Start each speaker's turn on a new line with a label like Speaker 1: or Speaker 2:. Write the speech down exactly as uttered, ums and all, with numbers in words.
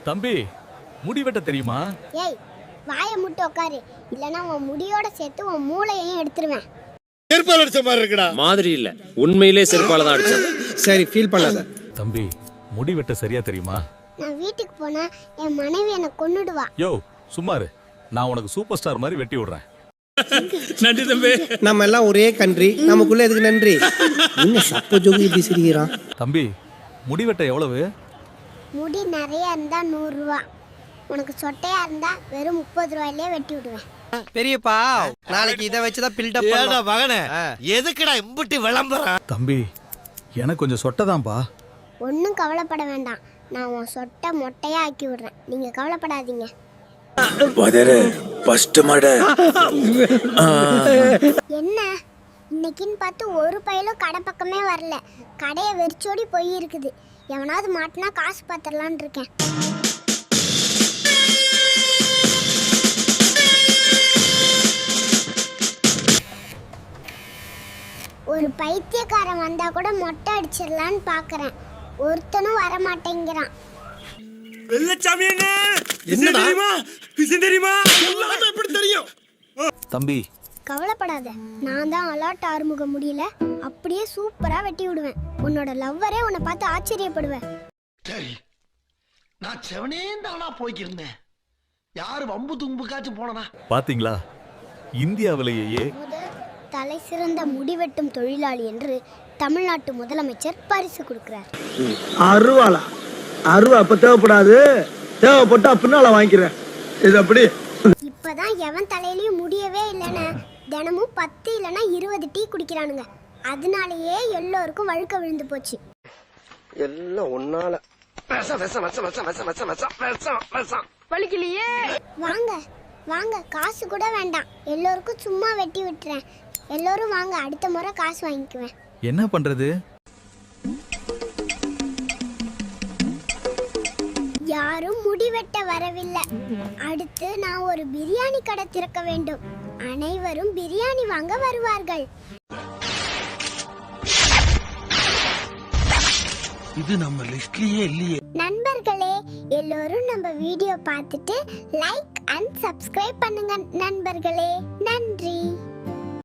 Speaker 1: தம்பி முடி வெட்ட தெரியுமா?
Speaker 2: ஏய் வாயை முட்டு உட்காரு, இல்லனா உன் முடியோட சேர்த்து உன் மூளையையும் எடுத்துருவேன்.
Speaker 3: செருப்பால அடிச்ச மாதிரி இருக்குடா.
Speaker 4: மாதிரி இல்ல, உண்மையிலே செருப்பால தான் அடிச்சேன்.
Speaker 5: சரி ஃபீல் பண்ணாத.
Speaker 1: தம்பி முடி வெட்ட சரியா தெரியுமா?
Speaker 2: நான் வீட்டுக்கு போனா என் மனைவி என்ன கொன்னுடுவா.
Speaker 1: யோ சும்மாரு, நான் உனக்கு சூப்பர் ஸ்டார் மாதிரி வெட்டி விடுறேன்.
Speaker 3: நன்றி தம்பி.
Speaker 5: நம்ம எல்லாம் ஒரே கண்ட்ரி, நமக்குள்ள எதுக்கு நன்றி? என்ன சப்ப ஜோகி இப்படி சிரிக்கிறான்?
Speaker 1: தம்பி முடி வெட்ட எவ்வளவு?
Speaker 2: முடி நிறைய இருந்தா நூறு ரூபா, உனக்கு சொட்டையா இருந்தா வெறும் முப்பது ரூபாயிலே வெட்டி விடுவேன்.
Speaker 5: பெரியப்பா நாளைக்கு இதை வச்சுதான் பில்டப்
Speaker 3: ஏடா
Speaker 5: பண்ணலாம்.
Speaker 3: மகனே, எதுக்குடா இம்புட்டி விளம்பரம்?
Speaker 1: தம்பி எனக்கு கொஞ்சம் சொட்டதான்பா.
Speaker 2: ஒன்றும் கவலைப்பட வேண்டாம், நான் உன் சொட்டை மொட்டையா ஆக்கி விடுறேன், நீங்க கவலைப்படாதீங்க. என்ன இன்னைக்குன்னு பார்த்து ஒரு பையிலும் கடை பக்கமே வரல, கடையை வெறிச்சோடி போய் இருக்குது. எவனாவது மாட்டினா காசு பார்த்துடலான்னு இருக்கேன். ஒரு பைத்தியக்காரன் வந்தா கூட மொட்டை அடிச்சிடலான்னு பாக்குறேன், ஒருத்தனும் வர மாட்டேங்கிறான்.
Speaker 3: வெள்ளச்சாமி என்ன தெரியுமா? விஷயம் தெரியுமா? எல்லாமே எப்படி தெரியும்?
Speaker 1: தம்பி
Speaker 2: கவலைப்படாத, நான் தான் அலாட் ஆறுமுக முடியல அப்படியே சூப்பரா வெட்டி விடுவேன். உன்னோட லவ்வரே உன்னை பார்த்து ஆச்சரியப்படுவேன்.
Speaker 6: சரி, நான் செவனே தானா போய்க்கிருந்தேன். யாரு வம்பு தும்புக்காச்சும் போனனா?
Speaker 1: பாத்தீங்களா, இந்தியாவிலேயே
Speaker 2: முதல் தலை சிறந்த முடிவெட்டும் தொழிலாளி என்று தமிழ்நாட்டு முதலமைச்சர் பரிசு கொடுக்கிறார்.
Speaker 7: அருவாளா? அருவா அப்ப தேவைப்படாது, தேவைப்பட்டா பின்னால வாங்கிக்கிறேன். இது அப்படி
Speaker 2: இப்பதான் எவன் தலையிலயும் முடியவே இல்லைன்னு தினமும் பத்து இல்லைன்னா இருபது டீ குடிக்கிறானுங்க. அதனாலேயே எல்லோருக்கும் வழுக்க விழுந்து போச்சு.
Speaker 5: எல்லாம் ஒன்னால
Speaker 2: வாங்க வாங்க, காசு கூட வேண்டாம், எல்லோருக்கும் சும்மா வெட்டி விட்டுறேன். எல்லோரும் வாங்க, அடுத்த முறை காசு வாங்கிக்குவேன்.
Speaker 1: என்ன பண்றது?
Speaker 2: யாரும் முடிவெட்ட வரவில்லை. அடுத்து நான் ஒரு பிரியாணி கடை திறக்க வேண்டும். அனைவரும் பிரியாணி வாங்க வருவார்கள்.
Speaker 6: இது நம்ம லிஸ்ட்லயே இல்லையே.
Speaker 2: நண்பர்களே, எல்லோரும் நம்ம வீடியோ பார்த்துட்டு லைக் அண்ட் சப்ஸ்கிரைப் பண்ணுங்க நண்பர்களே. நன்றி.